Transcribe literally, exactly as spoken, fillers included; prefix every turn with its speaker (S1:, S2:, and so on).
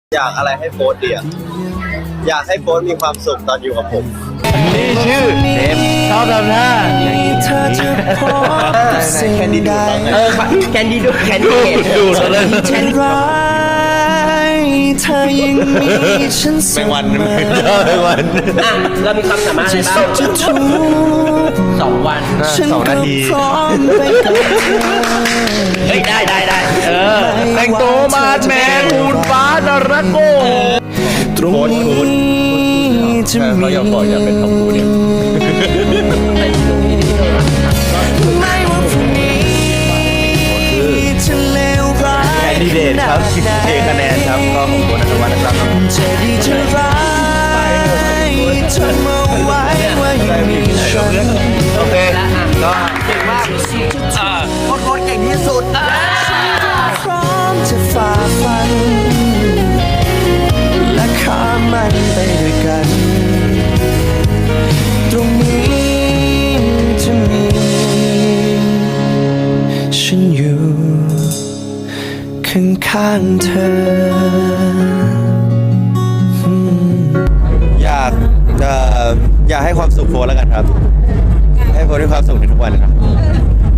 S1: อยากอะไรให้โฟสเดียอยากให้โฟสมีความสุขตอนอยู่กับผม
S2: นี่ชื่อเดฟชอบทำหน้า
S1: แคนดี้ดูดเออ
S3: แคนดี้ดูแคนดี้
S2: ดูเลย
S3: แคนดี้เธอยังมีฉันเสมอ
S2: แมงวันแมงวัน
S3: อ่ะเรามีความสามารถอะไรบ้างสองวัน
S2: สองนาที
S3: เฮ้ยได้ได้ได้เออ
S2: แต่งตัวมาแมนหูนฟ้าดาราโก้
S3: ตรงนี้จะมี
S2: เขาอยากบอกอยากเป็นทอมบูเนี่ย
S3: ไม่ว่าพรุ่งนี้จะเลวร้าย
S2: แคนดิเดตครับเทคะแนนครับก็ของโบนัสวัฒน์นะครับ
S3: จะดีจะร้ายจนมาไว้ว่ายังมีฉัน
S2: โอเคก็
S3: เก่งมากโคตรโคตรเก่งที่สุดพร้อมจะฝ่าฟันและข้ามมันไปด้วยกันตรงนี้จะมีฉันอยู่ข้างๆเธอ
S1: อยากเอ่ออยากให้ความสุขโฟสแล้วกันครับให้โฟสมีความสุขในทุกวันครับ